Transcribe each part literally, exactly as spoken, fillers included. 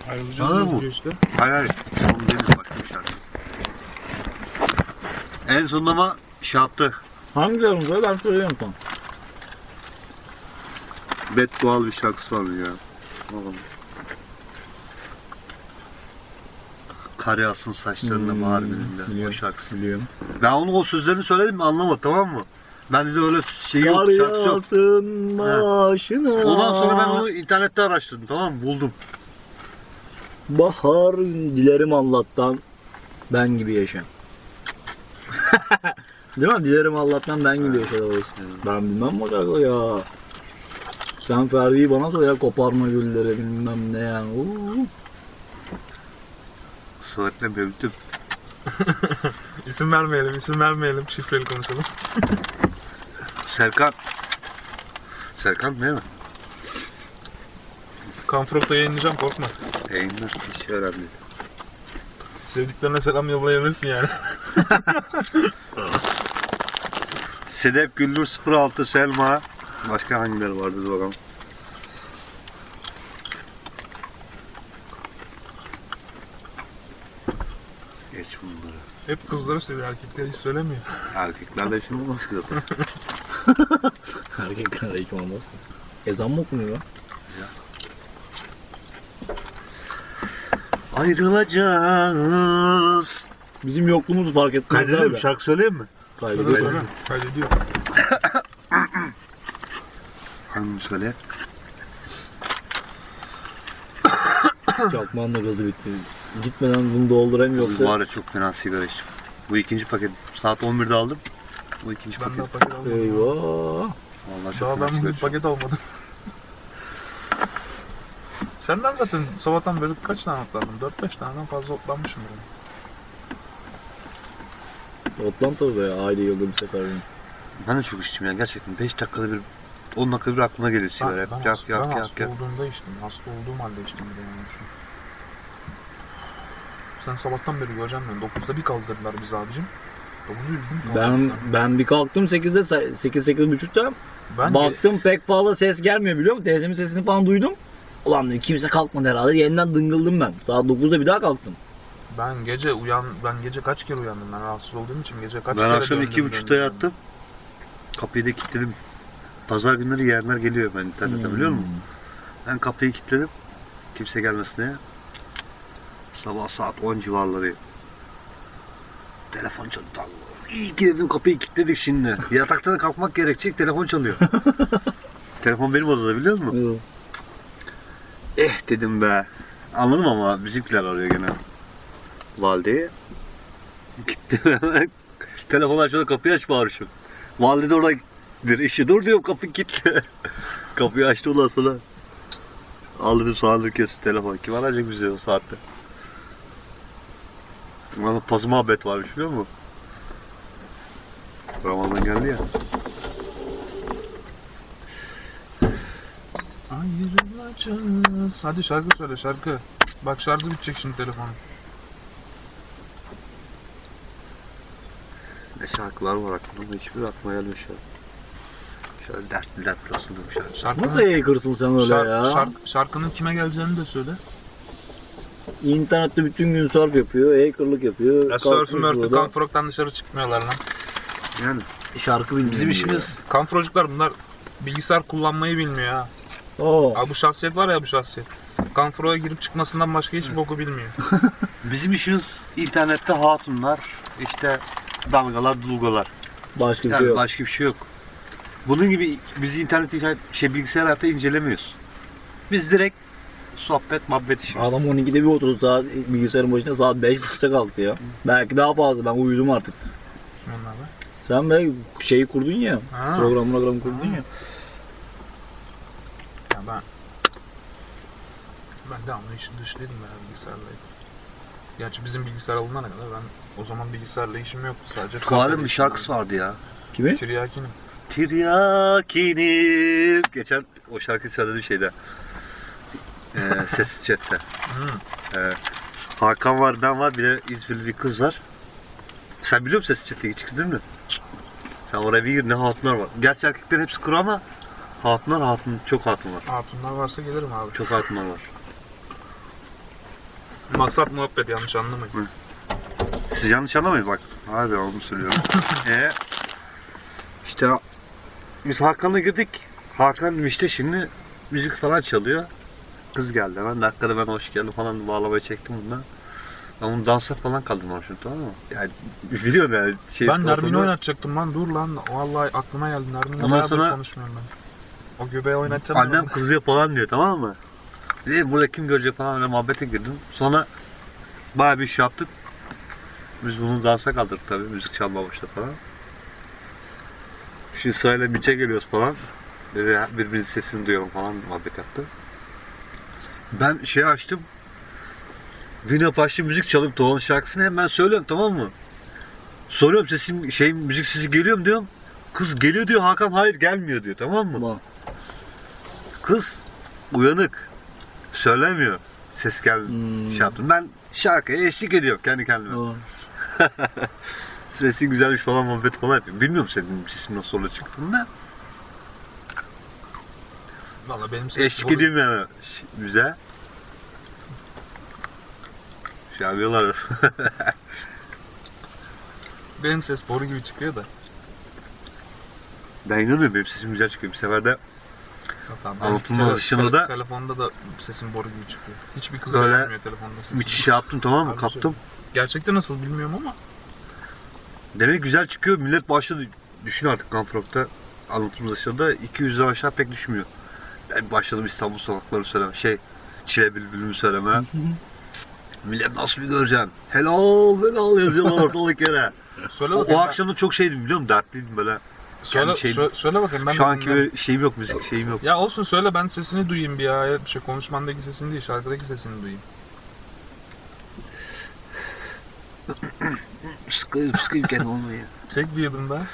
Ayrılacağız diyor işte. Hayır hayır. Onu değil, başka bir şarkı. En sonunda ama şey yaptı. Hangi şarkı? Ben söyleyeyim sana. Beddualı bir şarkısı var ya. Oğlum. Kar yağsın saçlarında Hmm, bahar gününde. biliyorum, O şarkısı. Biliyorum. Ben onun o sözlerini söyledim mi anlamadı, tamam mı? Ben de öyle şey yok, Kar şarkısı yok. yağsın başına. Ondan sonra ben onu internette araştırdım, tamam mı? Buldum. Bahar dilerim Allah'tan ben gibi yaşa. Değil mi? Dilerim Allah'tan ben gibi yaşa. Evet. Ben bilmem o şarkı ya. Sen Ferdi'yi bana sor ya, koparma gülleri bilmem ne yani. Uuu. Sıvırtla büyüttüm. İsim vermeyelim, isim vermeyelim. Şifreli konuşalım. Serkan. Serkan değil mi? Kanfrok'ta yayınlayacağım, korkma. Yayınlar hiç önemli değil. Sevdiklerine selam yollayabilirsin yani. Sedef Güldür sıfır altı Selma. Başka hangileri vardı bakalım. Geç bunları. Hep kızları seviyor, erkekler hiç söylemiyor. Erkeklerde işin olmaz ki zaten. Erkeklerde hiç olmaz. Ezan mı okunuyor lan? Ayrılacağız. Bizim yokluğumuzu fark etmez. Kaydediyor mu? Şarkı söyleyeyim mi? Söyle Kaydediyor. söyle, kaydediyor. Hangi söyle? Çakmağın da gazı bitti. Gitmeden bunu doldurayım yoksa. Bu ara çok fena sigara içtim. Bu ikinci paket. Saat on birde aldım. Bu ikinci Ben paket. daha paket almadım. Eyvah. Vallahi çok Daha fena ben sigara bugün içtim. paket almadım. Senden zaten sabahtan beri kaç tane otlandım? dört beş taneden fazla otlanmışım yani. Otlan tabii ya, aile yılda bir sefer. Yani. Ben de çok içtim ya gerçekten. beş dakikada bir, on dakikada bir aklıma geliyor sigara. Ben, Hep ben, yak hasta, yak ben yak hasta yak. olduğumda içtim. Hasta olduğum halde içtim bir de yani. Sen sabahtan beri göreceğim ben. dokuzda bir kaldırdılar bizi abicim. dokuzu bildim. Ben ben bir kalktım sekizde, sekiz sekiz buçukta. Ben Baktım pek fazla ses gelmiyor biliyor musun? Teyzemin sesini falan duydum. Ulan dedim kimse kalkmadı herhalde. Yeniden dıngıldım ben. Saat dokuzda bir daha kalktım. Ben gece uyan ben gece kaç kere uyandım ben rahatsız olduğum için gece kaç Ben kere akşam döndüm, iki buçukta döndüm, yattım. Kapıyı da kilitledim. Pazar günleri yeğenler geliyor ben internete Hmm. biliyor musun? Ben kapıyı kilitledim. Kimse gelmesin diye. Sabah saat on civarları. Telefon çalıyor. İyi ki dedim kapıyı kilitledik şimdi. Yataktan da kalkmak gerekecek, telefon çalıyor. Telefon benim odada biliyor musun? Evet. Eh dedim be. Anladım ama bizimkiler arıyor gene. Valideyi. Gitti. Telefon açmadı, kapıyı aç bağırışım. Valide de oradadır. İşi dur diyorum, kapı kilitli. Kapıyı açtı ondan sonra. Al dedim sağlık kesin telefon. Kim arayacak bizi o saatte? Bana pazı muhabbet varmış biliyor musun? Ramazan geldi ya. Ayrılacağız. Hadi şarkı söyle şarkı. Bak şarjı bitecek şimdi telefonun. Ne şarkılar var aklımda, hiçbir aklıma gelmiyor şu an. Şöyle dertli dertli asıldım şarkı. Şarkının, Nasıl yayıkırsın sen öyle şark- ya? şark- şarkının kime geleceğini de söyle. İnternette bütün gün surf yapıyor, hackerlık yapıyor. Ya kalkmış surf'ü mörfü burada. Kanfrok'tan dışarı çıkmıyorlar lan. Yani Şarkı bilmiyor. bizim işimiz Kanfrocuklar bunlar bilgisayar kullanmayı bilmiyor ha. Oo. Abi bu şahsiyet var ya bu şahsiyet. Kanfrok'a girip çıkmasından başka hiç boku bilmiyor. bizim işimiz internette hatunlar, işte dalgalar, dulgalar. Başka bir Yani şey yok. başka bir şey yok. Bunun gibi biz internet şey bilgisayar hayatta incelemiyoruz. Biz direkt sohbet, muhabbet işimiz. Adam on ikide bir oturdu saat bilgisayarın başında, saat beş buçukta kalktı ya. Belki daha fazla, ben uyudum artık. Kim onlar be? Sen be şeyi kurdun ya, Ha. program program kurdun Ha. ya. Ya ben... Ben devamlı işin dışındaydım ben bilgisayarla. Gerçi bizim bilgisayar alınana kadar ben o zaman bilgisayarla işim yoktu sadece. Tuğal'ın bir şarkısı vardı ya. Kimi? Tiryakinim. Tiryakinim. Geçen o şarkıyı söyledim şeyde. Ee, sessiz chatte. Hmm. Ee, Hakan var, ben var, bir de İzmirli bir kız var. Sen biliyor musun sessiz chat'e hiç çıktın mı? Sen oraya bir gir, ne hatunlar var. Gerçi erkeklerin hepsi kuru ama hatunlar hatun, çok hatun var. Hatunlar varsa gelirim abi. Çok hatunlar var. Maksat muhabbet, yanlış anlamayın. Siz yanlış anlamayın bak. Abi onu söylüyorum. Eee işte biz Hakan'la girdik. Hakan işte şimdi müzik falan çalıyor. Kız geldi hemen dakikada ben hoş geldin falan bağlamaya çektim bundan. Ben bunu dansa falan kaldırmamışım, tamam mı? Yani biliyorum yani. Şey, Ben Nermin'i ortamda- oynatacaktım lan, dur lan. Vallahi aklıma geldi, Nermin'le Ondan bayağıdır sonra- konuşmuyorum ben. O göbeği oynatacağım. Annem ben. kızıyor falan diyor, tamam mı? Dedi burada kim görecek falan, öyle muhabbete girdim. Sonra bayağı bir iş yaptık. Biz bunu dansa kaldırdık tabii, müzik çalmaya başladı falan. Şimdi sırayla biçe geliyoruz falan. Dedi birbirimizin sesini duyuyorum falan, muhabbet yaptı. Ben şey açtım. Vino Paşlı müzik çalıp Doğan'ın şarkısını hemen söylüyorum, tamam mı? Soruyorum sesim, şey müzik sesi geliyor mu diyorum. Kız geliyor diyor, Hakan hayır gelmiyor diyor, tamam mı? Bak. Kız uyanık. Söylemiyor. Ses geldi. Hmm. Şey yaptım. Ben şarkıya eşlik ediyorum kendi kendime. Bak. Sesi güzelmiş falan, muhabbet falan yapıyorum. Bilmiyorum senin sesin nasıl orada çıktığını da. Vallahi benim ses Eşlik boru- ediyorum yani müze. Şey yapıyorlar. Benim ses boru gibi çıkıyor da. Ben inanıyorum, benim sesim güzel çıkıyor. Bir sefer de Yok abi, ben Anlatılmaz tele- dışında tele- da- telefonda da sesim boru gibi çıkıyor. Hiçbir kıza Böyle gelmiyor telefonda sesim. müthiş şey yaptım, tamam mı? Harbi Kaptım. söylüyorum. Gerçekte nasıl bilmiyorum ama. Demek güzel çıkıyor. Millet başladı. Düşün artık Kamprok'ta anlatılmaz dışında iki yüzden aşağı pek düşmüyor. Ben başladım İstanbul sokakları söyleme. Şey, Çile Bülbül'ümü söyleme. Millet nasıl bir göreceksin? Helal helal yazıyorlar ortalık yere. Söyle O, bakayım. o ben- akşam da çok şeydim biliyor musun? Dertliydim böyle. söyle, kendi şeyim- sö- söyle bakayım ben Şu de anki dinlerim. böyle şeyim yok, müzik şeyim yok. Ya olsun, söyle ben sesini duyayım bir ya. Ya bir şey, konuşmandaki sesini değil, şarkıdaki sesini duyayım. Sıkıyım sıkıyım kendimi olmuyor. Çek bir yudum daha.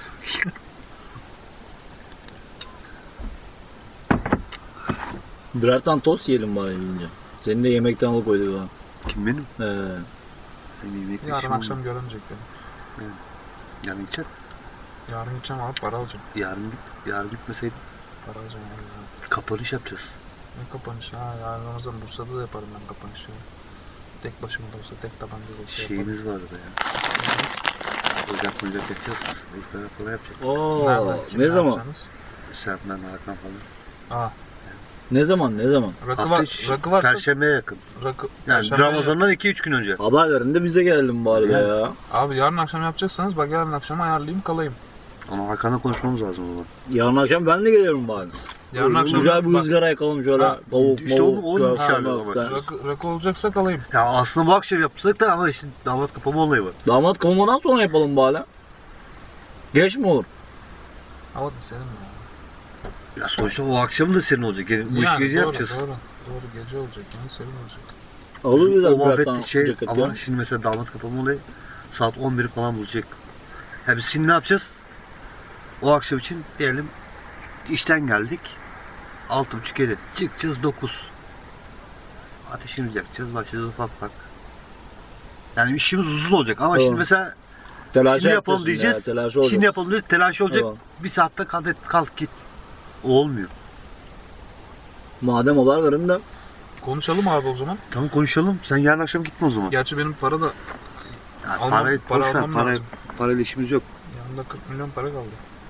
Birer tane tost yiyelim bari yiyince. Seni de yemekten alıkoyduk ha. Kim benim? Ee, Benim yemek Yarın işim akşam olmuyor. göremeyecek beni. Yarın gideceğim. Yarın gideceğim abi, para alacağım. Yarın git. Yarın gitmeseydim Para alacağım abi. ya. kapanış yapacağız. Ne kapanış ha? Yarın Ramazan Bursa'da da yaparım ben kapanışı. Tek başıma da olsa, tek tabanca da olsa yaparım. Şeyimiz vardı ya. Ocak ocak yapacağız. İftara falan yapacağız. Oo, Nereden, kim, ne zaman? yapacaksınız? Sen ben Hakan falan. Aa, Ne zaman? Ne zaman? rakı, Hafta var, içi, rakı varsa Perşembeye yakın. rakı, Yani Perşembe- Ramazan'dan iki üç gün önce. Haber verin de bize gelelim bari be Evet. ya. Abi yarın akşam yapacaksanız bak, yarın akşam ayarlayayım kalayım. Ama Hakan'la konuşmamız lazım o zaman. Yarın akşam ben de gelirim bari. Yarın akşam Güzel bir bak, ızgara yakalım şöyle. Ha, Tavuk, işte mavuk, onu- onu köfte, dışarıda möfte. bak. rakı, rakı olacaksa kalayım. Ya aslında bu akşam yapsak da ama işte damat kapama olayı var. Damat kovmadan sonra yapalım bari. Geç mi olur? Hava da senin ya. Ya sonuçta o akşam da senin olacak. Yani bu işi Yani gece doğru, yapacağız. Doğru, doğru gece olacak yani, senin olacak. Olur O güzel birer muhabbet tane şey ceket ama ya. şimdi mesela damat kapama olayı saat on biri falan bulacak. Ya biz şimdi ne yapacağız? O akşam için diyelim işten geldik. Altı buçuk yedi. Çıkacağız dokuz. Ateşimizi yakacağız. Başlayacağız ufak ufak. Yani işimiz uzun olacak ama Tamam. şimdi mesela Telaşı şimdi yapalım yapıyorsun diyeceğiz. ya, telaşı olacak. Şimdi yapalım diyeceğiz. Telaş olacak. Tamam. Bir saatte kalk, kalk git. O olmuyor. Madem haber verin de. Konuşalım abi o zaman. Tamam konuşalım. Sen yarın akşam gitme o zaman. Gerçi benim para da, Ya almam- parayı para boş ver, almam para, lazım. parayla işimiz yok. yanımda kırk milyon para kaldı.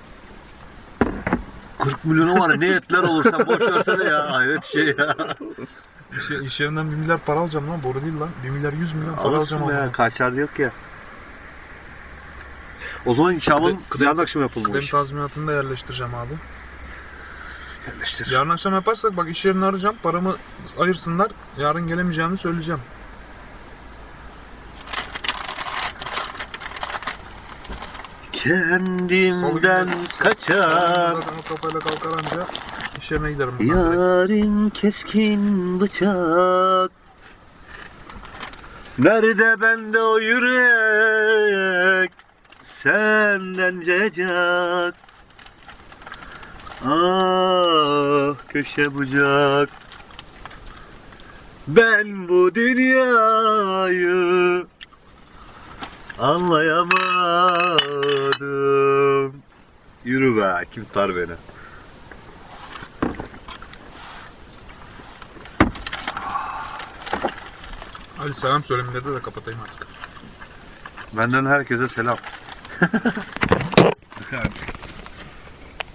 kırk milyonu var ya, ne etler olursa boş versene ya. Hayret şey ya. İş, iş yerinden bir milyar para alacağım lan, boru değil lan. bir milyar yüz milyon para Alırsın alacağım be ya. ama. Kaçar yok ya. O zaman Şaban Kıdem- yarın akşam yapalım o Kıdem işi. tazminatını da yerleştireceğim abi. Yerleştir. Yarın akşam yaparsak bak, iş yerini arayacağım, paramı ayırsınlar. Yarın gelemeyeceğimi söyleyeceğim. Kendimden kaçar. Zaten o kafayla kalkar anca iş yerine giderim bundan direkt. Yarim keskin bıçak. Nerede bende o yürek? Senden cecak. Ah köşe bucak. Ben bu dünyayı anlayamadım. Yürü be, kim tutar beni? Hadi selam söylemede de kapatayım artık. Benden herkese selam.